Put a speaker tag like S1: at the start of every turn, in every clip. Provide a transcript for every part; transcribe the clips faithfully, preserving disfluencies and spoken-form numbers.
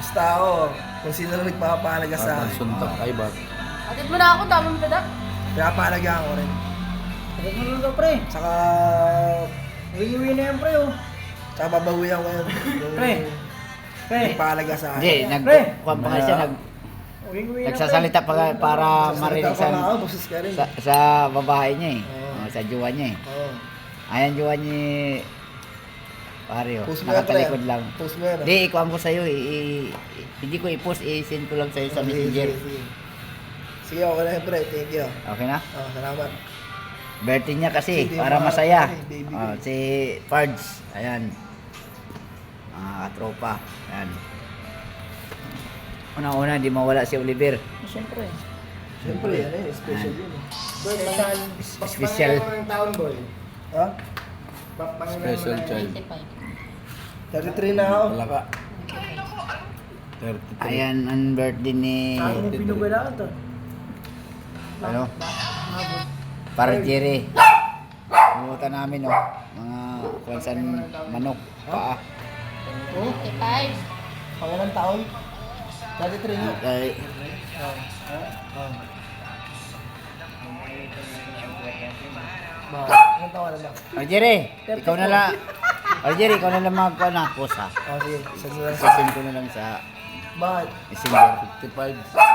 S1: Basta ako, kung sino lang nagpapahalaga sa
S2: At
S1: akin.
S2: suntok ay ba?
S3: Atid mo na ako, dami mo tada.
S1: Pinapahalaga ako rin.
S4: Bakit mo lang daw, pre?
S1: Tsaka,
S4: Uwi-uwi na yan, pre, oh.
S1: tsaka babawihan ko yun. Yung
S4: Pre. Pre.
S1: nagpahalaga sa akin.
S5: Hindi, nag
S4: Pre.
S5: kuwan pa nga siya, nag,
S4: Uwi-uwi na, pre.
S5: nagsasalita pa nga para
S1: Sasalita
S5: marinig
S1: pa nga
S5: sa,
S1: ako, boses ka rin.
S5: sa, sa babae niya eh.
S1: Oo.
S5: Oh, sa jowa niya eh.
S1: Oo.
S5: Ayan jowa niya pare oh.
S1: Post mo yan, pre.
S5: Nakatalikod lang.
S1: Post mo yan. ah.
S5: Hindi, ikuhan ko sa'yo eh. I- i- hindi ko i-post, i-send ko lang sa'yo sa
S1: Sige,
S5: messenger.
S1: sige, sige. Sige, okay na yun, pre. Thank you.
S5: Okay na?
S1: Oh, salamat.
S5: Birthday niya kasi,
S1: Sige,
S5: para
S1: mga-
S5: masaya.
S1: ay, baby
S5: Oh,
S1: ko.
S5: si Pards, ayan. Mga katropa, ayan. Una-una, di mawala si Oliver.
S4: Siyempre.
S1: Siyempre, ano yun, special yun. eh.
S4: Special.
S5: Special.
S1: Ha?
S2: Special child.
S3: twenty-five.
S1: thirty-three na ako.
S2: Wala ka. thirty-three.
S5: Ayan, ang birthday ni...
S4: Saan yung pinugalaan to?
S5: Ano? Para Jerry. Pumunta namin, oh. Mga kwansan manok, paa.
S3: twenty-five.
S1: Pangalang taon? thirty-three nga.
S5: Ay,
S1: Oh. Ba, ilang taon na ba?
S5: oh, Jerry, ikaw na lang. Oh, Jerry, ikaw na lang magkuha na. Post, ha?
S1: Oh, sige. Saan mo lang sa...
S5: Sasend ko na lang sa
S1: Bakit?
S5: messenger.
S2: fifty-five.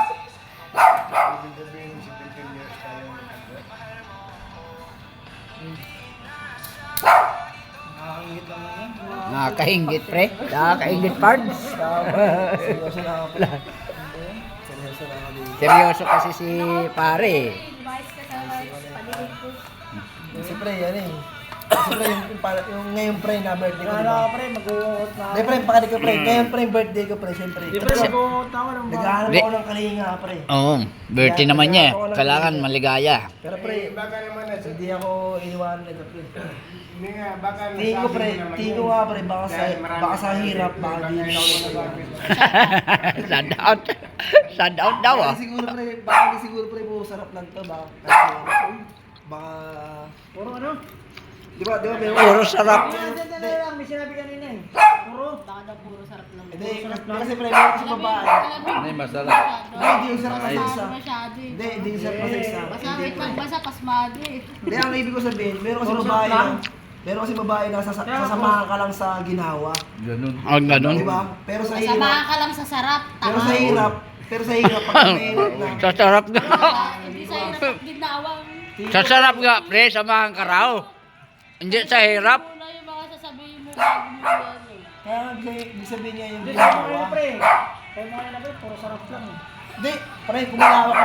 S4: Nakakingit lang yan.
S5: Nakakaingit, pre. Nakakaingit, Pards.
S1: Seryoso na ako. Seryoso na ako. dito.
S5: Seryoso kasi si pare.
S3: Lumayas ka sa paligid ko.
S1: Siyempre, yan eh. Siyempre, yung, yung, para- yung ngayon pre na birthday ko,
S4: Ano
S1: di ba?
S4: ka, pre? Mag-uungot na ako.
S1: Hindi pre, pakinig ko pre. Ngayon pre, yung birthday ko pre, siyempre.
S4: Di, pre, mag-uungot na ako ng mga...
S1: Naghahanap
S5: Di-
S1: ako ng kalinga pre.
S5: Oo, birthday naman niya. Kailangan maligaya.
S1: Pero pre, hindi ako iniwanan nito pre.
S6: Hindi nga, baka
S1: Tingin ko pre, tingin ko nga pre, baka sa, baka sa hirap, baka di na ako nagawa.
S5: Shout out. Shout out daw, ah.
S1: Baka siguro pre, baka di siguro pre, po sarap lang to, baka, kasi, baka,
S4: Puro ano?
S1: di ba, di ba, pero,
S5: Puro sarap.
S4: Hindi, hindi, hindi lang. May sinabi kanina eh. Puro.
S3: Baka daw puro sarap lang.
S1: hindi, kasi pre, meron kasi babae.
S2: Ano yung masarap?
S1: Hindi, hindi yung sarap kasi isa.
S3: Masyado eh.
S1: Hindi, hindi yung sarap kasi isa.
S3: Basta
S1: Hindi,
S3: wait
S1: pre.
S3: lang, basa pasmado eh.
S1: Hindi, ang ibig ko sabihin, meron kasi
S4: Puro
S1: babae
S4: sarap lang.
S1: na, meron kasi babae na sasa- sasamahan ka lang sa ginawa.
S2: Ganun.
S5: Oh, ganun.
S1: Di ba? Pero sa
S3: Samahan
S1: hirap,
S3: ka lang sa sarap.
S1: pero
S3: Tama.
S1: sa hirap, pero sa hirap, pag mahirap na,
S5: Sa sarap nga.
S3: Hindi sa hirap at ginawang.
S5: Sa sarap nga, pre. Samahan ka raw. Hindi sa hirap.
S3: Muna yung mga sasabihin mo bago mo yan eh.
S1: kaya ibig ibig sabihin niya yung
S4: Hindi, sa mga
S1: ginagawa.
S4: pre. Kaya mga na, pre, puro sarap lang eh.
S1: Hindi, pre, kumalawa ka